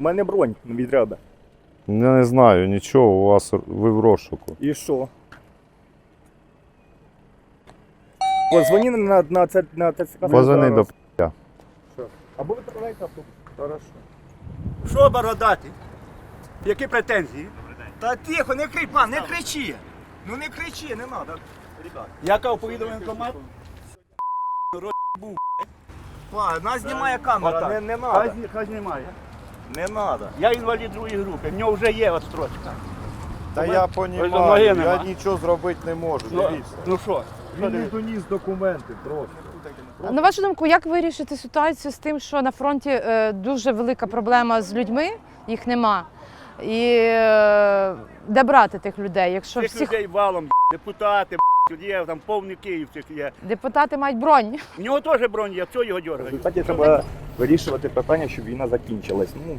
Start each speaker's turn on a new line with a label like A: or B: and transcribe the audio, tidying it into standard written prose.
A: мене бронь від ряда.
B: Я не знаю, нічого, у вас ви в розшуку.
A: І що? Позвони на ТЦК.
B: Позвони до
A: Або відправляйте автобус. Хорошо.
C: Що бородати? Які претензії? Та тихо, не кричи, пан, не кричи. Ну не кричи, не треба. Яка повідомлення комат? Нас знімає камера.
A: Та не надо.
C: Хай знімає. Не треба. Я інвалід другої групи, в нього вже є отстрочка.
B: Та я
C: Ноги
B: розумію, я
C: нема.
B: нічого зробити не можу, дивіться.
C: Ну що?
B: Він не доніс документи просто.
D: На вашу думку, як вирішити ситуацію з тим, що на фронті дуже велика проблема з людьми, їх нема. І де брати тих людей, якщо
C: Цих
D: всіх
C: людей валом, депутати, є, там повний Київ цих є.
D: депутати мають бронь?
C: В нього теж бронь є, хто його
A: В
C: дергає?
A: результаті треба вирішувати питання, щоб війна закінчилась. Ну,